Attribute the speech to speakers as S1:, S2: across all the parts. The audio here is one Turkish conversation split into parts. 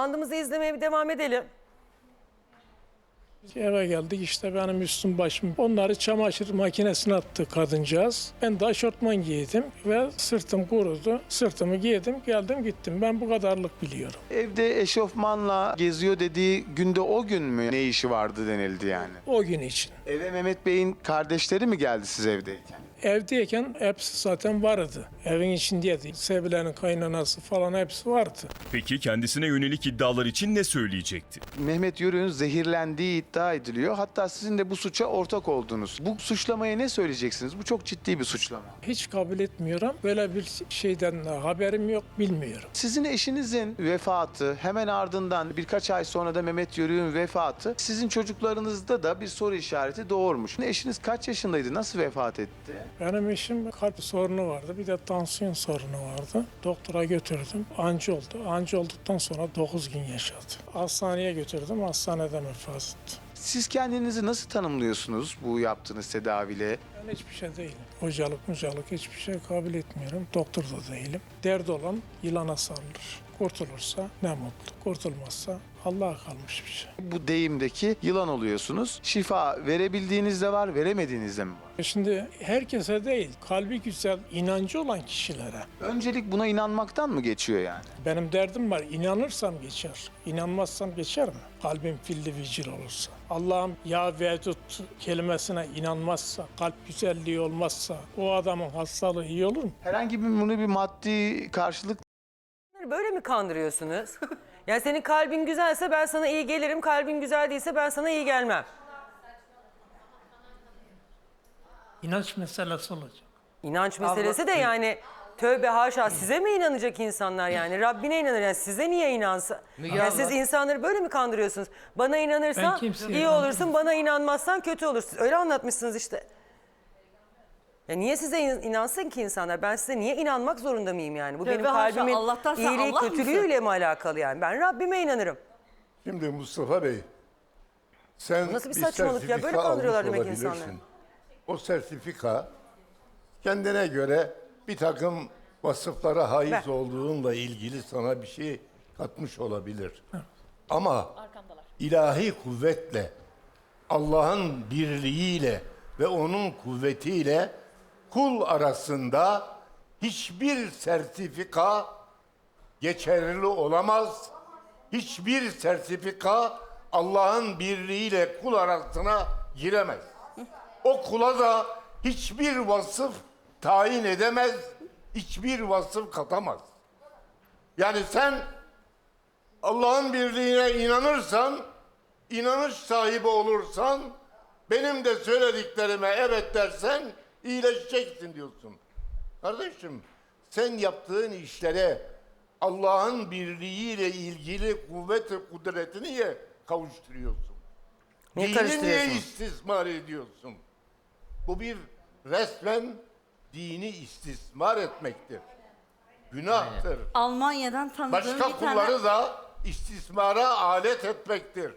S1: bandımızı izlemeye bir devam edelim.
S2: Eve geldik işte benim üstüm başım. Onları çamaşır makinesine attı kadıncağız. Ben de aşortman giydim ve sırtım kurudu. Sırtımı giydim geldim gittim. Ben bu kadarlık biliyorum.
S3: Evde eşofmanla geziyor dediği günde o gün mü ne işi vardı denildi yani?
S2: O gün için.
S3: Eve Mehmet Bey'in kardeşleri mi geldi siz evdeyken?
S2: Evdeyken hepsi zaten vardı. Evin içindeydi. Sevilenin kaynanası falan hepsi vardı.
S4: Peki kendisine yönelik iddialar için ne söyleyecekti?
S3: Mehmet Yörük'ün zehirlendiği iddia ediliyor. Hatta sizin de bu suça ortak oldunuz. Bu suçlamaya ne söyleyeceksiniz? Bu çok ciddi bir suçlama.
S2: Hiç kabul etmiyorum. Böyle bir şeyden haberim yok, bilmiyorum.
S3: Sizin eşinizin vefatı, hemen ardından birkaç ay sonra da Mehmet Yörük'ün vefatı, sizin çocuklarınızda da bir soru işareti doğurmuş. Eşiniz kaç yaşındaydı? Nasıl vefat etti?
S2: Benim eşim kalp sorunu vardı. Bir de tansiyon sorunu vardı. Doktora götürdüm. Anji oldu. Anji olduktan sonra 9 gün yaşadı. Hastaneye götürdüm. Hastaneden vefat etti.
S3: Siz kendinizi nasıl tanımlıyorsunuz bu yaptığınız tedaviyle?
S2: Ben hiçbir şey değilim. Hocalık hiçbir şey kabul etmiyorum. Doktor da değilim. Derdi olan yılana sarılır. Kurtulursa ne mutlu. Kurtulmazsa Allah'a kalmış bir şey.
S3: Bu deyimdeki yılan oluyorsunuz. Şifa verebildiğiniz de var, veremediğiniz de mi var?
S2: Şimdi herkese değil, kalbi güzel, inancı olan kişilere.
S3: Öncelik buna inanmaktan mı geçiyor yani?
S2: Benim derdim var, inanırsam geçer. İnanmazsam geçer mi? Kalbim filli vicil olursa. Allah'ım ya vedud kelimesine inanmazsa, kalp güzelliği olmazsa o adamın hastalığı iyi olur mu?
S3: Herhangi bir maddi karşılık
S1: Böyle mi kandırıyorsunuz? Yani senin kalbin güzelse ben sana iyi gelirim, kalbin güzel değilse ben sana iyi gelmem.
S2: İnanç meselesi olacak.
S1: İnanç meselesi de yani tövbe haşa size mi inanacak insanlar yani? Rabbine inanır yani size niye inansın? Yani siz insanları böyle mi kandırıyorsunuz? Bana inanırsan iyi olursun, bana inanmazsan kötü olursun. Öyle anlatmışsınız işte. Ya niye size inansın ki insanlar? Ben size niye inanmak zorunda mıyım yani? Bu benim kalbimin iyiliği kötülüğüyle mi alakalı yani? Ben Rabbime inanırım.
S5: Şimdi Mustafa Bey, sen
S1: Nasıl bir
S5: bir
S1: saçmalık ya?
S5: sertifika
S1: Böyle kandırıyorlar
S5: almış
S1: demek insanları.
S5: olabilirsin. O sertifika kendine göre bir takım vasıflara haiz
S1: Ver.
S5: olduğunla ilgili sana bir şey katmış olabilir. Ama ilahi kuvvetle, Allah'ın birliğiyle ve onun kuvvetiyle kul arasında hiçbir sertifika geçerli olamaz. Hiçbir sertifika Allah'ın birliğiyle kul arasına giremez. O kula da hiçbir vasıf tayin edemez, hiçbir vasıf katamaz. Yani sen Allah'ın birliğine inanırsan, inanış sahibi olursan, benim de söylediklerime evet dersen iyileşeceksin diyorsun. Kardeşim, sen yaptığın işlere Allah'ın birliğiyle ilgili kuvvet ve kudretini niye kavuşturuyorsun?
S1: Niye
S5: Dini niye
S1: karıştırıyorsun?
S5: istismar ediyorsun? Bu bir resmen dini istismar etmektir. Günahtır.
S6: Almanya'dan tanıdığım
S5: Başka
S6: bir tane...
S5: kulları da istismara alet etmektir.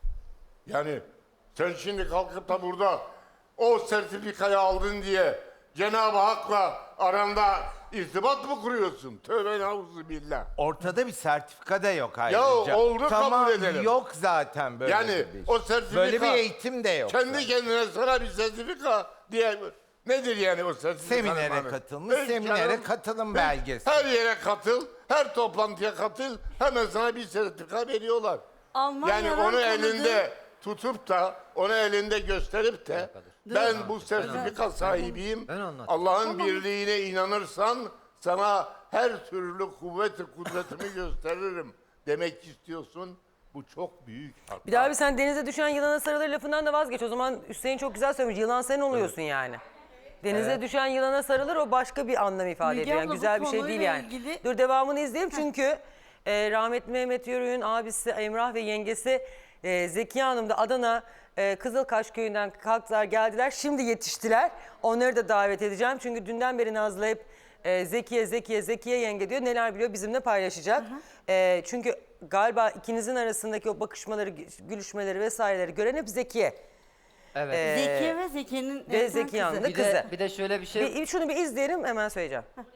S5: Yani sen şimdi kalkıp da burada o sertifikayı aldın diye Cenab-ı Hak'la aranda irtibat mı kuruyorsun? Tövbe nauzubillah.
S7: Ortada bir sertifika da yok ayrıca.
S5: Ya oldu,
S7: tamam,
S5: kabul edelim.
S7: yok zaten böyle
S5: Yani
S7: bir
S5: o sertifika...
S7: Böyle bir eğitim de yok.
S5: Kendi kendine sana bir sertifika diye... Nedir yani o sertifika?
S7: Seminere katılmış, seminere katılım belgesi.
S5: Her yere katıl, her toplantıya katıl, hemen sana bir sertifika veriyorlar.
S6: Almanya'dan
S5: Yani onu
S6: tanıdığım-
S5: elinde tutup da, onu elinde gösterip de ben bu sertifika sahibiyim, Allah'ın birliğine inanırsan sana her türlü kuvvet-i kudretimi gösteririm demek istiyorsun. Bu çok büyük hata.
S1: Bir daha abi sen denize düşen yılana sarılır lafından da vazgeç. O zaman Hüseyin çok güzel söylemiş. Yılan sen oluyorsun yani. Denize düşen yılana sarılır o başka bir anlam ifade
S6: Müge
S1: ediyor. Yani
S6: abla, bu
S1: güzel bir şey değil
S6: konuyla
S1: yani.
S6: ilgili-
S1: Dur devamını izleyelim çünkü rahmetli Mehmet Yörük'ün abisi Emrah ve yengesi Zekiye Hanım da Adana Kızılkaş köyünden kalktılar geldiler. Şimdi yetiştiler. Onları da davet edeceğim. Çünkü dünden beri Nazlı hep Zekiye yenge diyor. Neler biliyor bizimle paylaşacak. Çünkü galiba ikinizin arasındaki o bakışmaları, gülüşmeleri vesaireleri gören hep Zekiye.
S8: Evet.
S6: Zekiye ve Zekiye'nin
S1: Ve Zekiye Hanım'ın da kızı.
S8: Bir de şöyle bir şey.
S1: Şunu bir izleyelim hemen söyleyeceğim.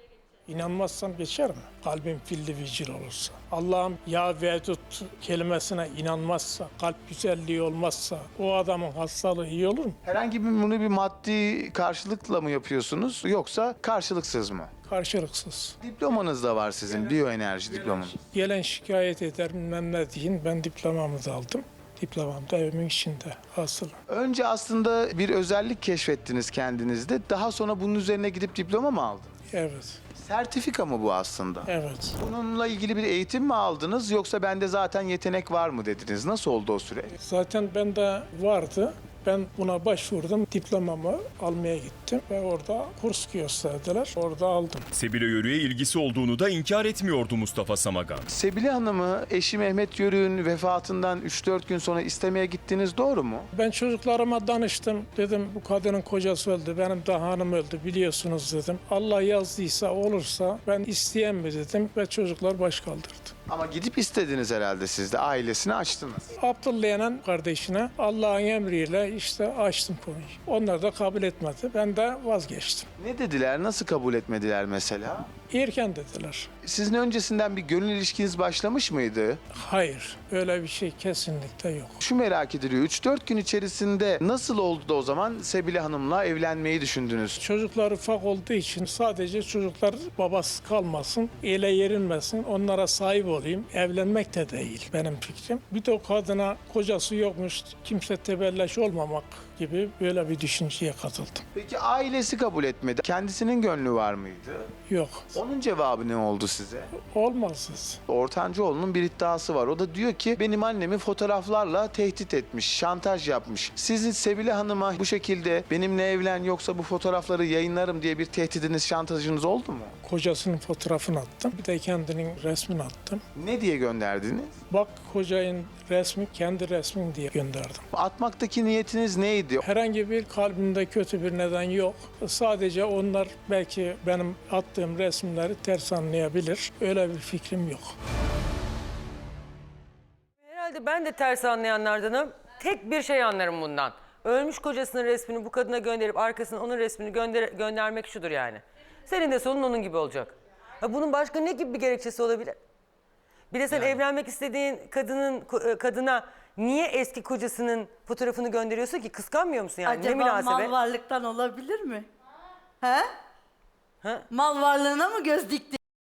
S2: İnanmazsam geçer mi? Kalbim filli vicil olursa. Allah'ım ya vedut kelimesine inanmazsa, kalp güzelliği olmazsa o adamın hastalığı iyi olur mu?
S3: Herhangi bunu bir maddi karşılıkla mı yapıyorsunuz yoksa karşılıksız mı?
S2: Karşılıksız.
S3: Diplomanız da var sizin, biyoenerji diplomanız.
S2: Gelen şikayet eder bilmem ne deyin. Ben diplomamı da aldım. Diplomam da evimin içinde asılı.
S3: Önce aslında bir özellik keşfettiniz kendinizde. Daha sonra bunun üzerine gidip diploma mı aldınız?
S2: Evet,
S3: Sertifika mı bu aslında?
S2: evet.
S3: Bununla ilgili bir eğitim mi aldınız yoksa bende zaten yetenek var mı dediniz? Nasıl oldu o süreç?
S2: Zaten bende vardı. Ben buna başvurdum. Diplomamı almaya gittim ve orada kurs gösterdiler. Orada aldım.
S4: Sebile Yörük'e ilgisi olduğunu da inkar etmiyordu Mustafa Samagan.
S3: Sebile Hanım'ı eşi Mehmet Yörük'ün vefatından 3-4 gün sonra istemeye gittiniz, doğru mu?
S2: Ben çocuklarıma danıştım. Dedim bu kadının kocası öldü. Benim de hanım öldü biliyorsunuz dedim. Allah yazdıysa olursa ben isteyen mi dedim ve çocuklar baş kaldırdı.
S3: Ama gidip istediniz herhalde siz de, ailesini açtınız.
S2: Abdullah'ın kardeşine Allah'ın emriyle işte açtım konuyu. Onlar da kabul etmedi. Ben de vazgeçtim.
S3: Ne dediler, nasıl kabul etmediler mesela?
S2: Erken dediler.
S3: Sizin öncesinden bir gönül ilişkiniz başlamış mıydı?
S2: Hayır, öyle bir şey kesinlikle yok.
S3: Şu merak ediliyor, 3-4 gün içerisinde nasıl oldu da o zaman Sebile Hanım'la evlenmeyi düşündünüz?
S2: Çocuklar ufak olduğu için sadece çocuklar babasız kalmasın, ele yerinmesin, onlara sahip olayım. Evlenmek de değil benim fikrim. Bir de o kadına kocası yokmuş, kimse tebelleş olmamak gibi böyle bir düşünceye katıldım.
S3: Peki ailesi kabul etmedi. Kendisinin gönlü var mıydı?
S2: Yok,
S3: Onun cevabı ne oldu size?
S2: olmazsız.
S3: Ortancıoğlu'nun bir iddiası var. O da diyor ki benim annemi fotoğraflarla tehdit etmiş, şantaj yapmış. Sizin Sebile Hanım'a bu şekilde benimle evlen yoksa bu fotoğrafları yayınlarım diye bir tehdidiniz, şantajınız oldu mu?
S2: Kocasının fotoğrafını attım, bir de kendinin resmini attım.
S3: Ne diye gönderdiniz?
S2: Bak kocanın resmi kendi resmin diye gönderdim.
S3: Atmaktaki niyetiniz neydi?
S2: Herhangi bir kalbimde kötü bir neden yok. Sadece onlar belki benim attığım resimleri ters anlayabilir. Öyle bir fikrim yok.
S1: Herhalde ben de ters anlayanlardanım. Tek bir şey anlarım bundan. Ölmüş kocasının resmini bu kadına gönderip arkasına onun resmini göndermek şudur yani. Senin de sonun onun gibi olacak. Ha, bunun başka ne gibi bir gerekçesi olabilir? Bir de sen evlenmek istediğin kadına niye eski kocasının fotoğrafını gönderiyorsun ki? Kıskanmıyor musun yani? Ne
S6: Acaba
S1: münasebet?
S6: mal varlıktan olabilir mi? He?
S1: Ha?
S6: Mal varlığına mı göz dikti?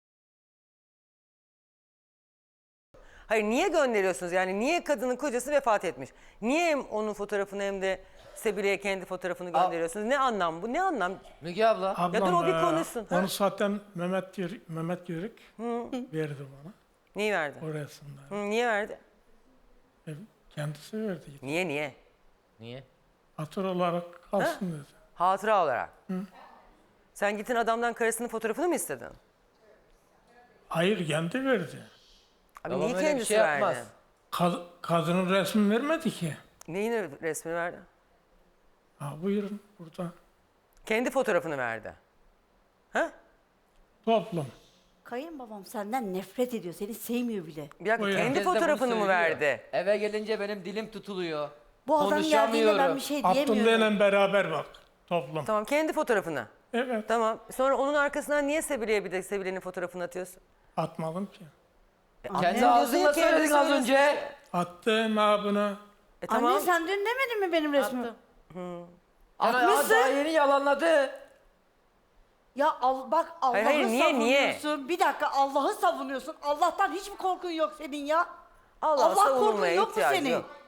S1: Hayır, niye gönderiyorsunuz? Yani niye kadının kocası vefat etmiş? Niye hem onun fotoğrafını hem de Sebile'ye kendi fotoğrafını gönderiyorsunuz? Ne anlam bu? Ne anlam?
S8: Müge abla.
S1: Ya dur, o bir konuşsun.
S2: Onu zaten Mehmet Yörük verdi bana.
S1: Neyi verdi?
S2: O resimleri.
S1: Niye verdi?
S2: Kendisi verdi.
S1: Niye?
S8: Niye?
S2: Hatır olarak kalsın dedi.
S1: Hatıra olarak. Sen gittin adamdan karısının fotoğrafını mı istedin?
S2: Hayır kendi verdi.
S1: Abi
S8: Babam
S1: niye
S8: öyle bir
S1: kendisi
S8: şey
S1: verdi?
S8: yapmaz.
S2: Kadının resmini vermedi ki.
S1: Neyin resmini verdi?
S2: Ha, buyurun burada.
S1: Kendi fotoğrafını verdi. Ha?
S2: Toplum.
S6: Kayınbabam senden nefret ediyor. Seni sevmiyor bile.
S1: Bir dakika,
S2: Buyurun.
S1: kendi
S8: Herkes de bunu
S1: fotoğrafını mı
S8: söylüyor.
S1: verdi?
S8: Eve gelince benim dilim tutuluyor.
S6: Bu adam geldiğinde ben bir şey diyemiyorum.
S2: Abdullah'la beraber bak. Toplum.
S1: Tamam, kendi fotoğrafını.
S2: Evet.
S1: Tamam. Sonra onun arkasından niye Sebile'ye bir de Sebile'nin fotoğrafını atıyorsun?
S2: Atmadım ki.
S8: Kendi
S1: diyorsun
S8: ağzınla
S1: ya, kendi
S8: söyledin az
S1: söylüyorsun.
S8: önce.
S2: Attım ha bunu.
S1: Tamam.
S6: Anne sen dün demedin mi benim resmimi?
S8: Atmışsın. Daha yeni yalanladı.
S6: Ya bak Allah'ı
S1: hayır, niye?
S6: savunuyorsun. Bir dakika Allah'ı savunuyorsun. Allah'tan hiç mi korkun yok senin ya?
S1: Allah
S6: korkun
S1: savunulmaya
S6: yok mu
S1: ihtiyacı
S6: senin?
S1: yok.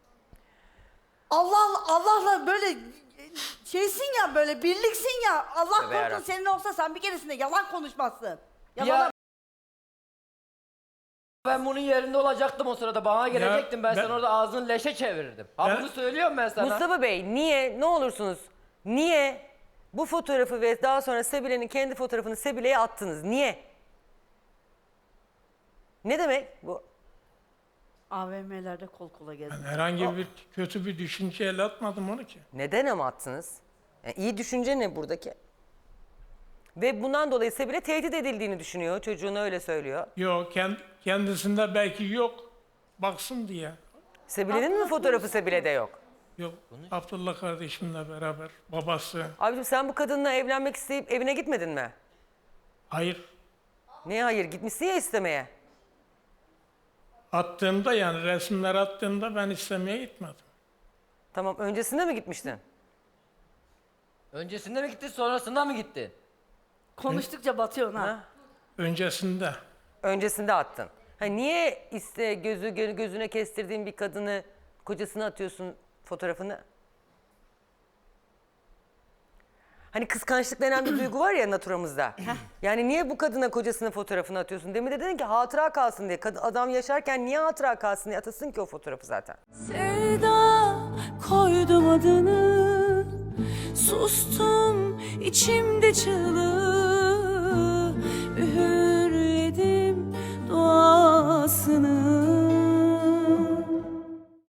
S6: Allah'la böyle şeysin ya, böyle birliksin ya. Allah
S1: Tövbe
S6: korkun
S1: yarabbim.
S6: senin olsa sen bir keresinde yalan konuşmazsın. Yalan
S8: Ya ben bunun yerinde olacaktım o sırada. Bana gelecektin. Ben
S2: ben-
S8: sana orada ağzını leşe çevirirdim. Ha
S2: Ben-
S8: bunu söylüyorum ben sana.
S1: Mustafa Bey, niye, ne olursunuz, niye bu fotoğrafı ve daha sonra Sebile'nin kendi fotoğrafını Sebile'ye attınız? Niye? Ne demek bu?
S6: AVM'lerde kol kola gezdim.
S2: Ben herhangi bir kötü bir düşünceyle atmadım onu ki.
S1: Neden ama attınız? Yani iyi düşünce ne buradaki? Ve bundan dolayı Sebile tehdit edildiğini düşünüyor. Çocuğuna öyle söylüyor.
S2: Yok kendisinde belki yok. Baksın diye.
S1: Sebile'nin mi fotoğrafı Sebile'de yok?
S2: Yok. Abdullah kardeşimle beraber babası.
S1: Abicim sen bu kadınla evlenmek isteyip evine gitmedin mi?
S2: Hayır.
S1: Ne hayır? Gitmişsin ya istemeye.
S2: Attığımda yani resimler attığımda ben istemeye gitmedim.
S1: Tamam, öncesinde mi gitmiştin?
S8: Öncesinde mi gittin, sonrasında mı gittin?
S6: Konuştukça batıyorsun ha.
S1: Ha?
S2: Öncesinde.
S1: Öncesinde attın. Ha, niye gözüne kestirdiğin bir kadını kocasına atıyorsun fotoğrafını? Hani kıskançlık denen bir duygu var ya naturamızda. Yani niye bu kadına kocasının fotoğrafını atıyorsun? Demin de dedin ki hatıra kalsın diye. Adam yaşarken niye hatıra kalsın diye atasın ki o fotoğrafı zaten.
S9: Sevda koydum adını, sustum içimde çığlığı, üğürledim duasını.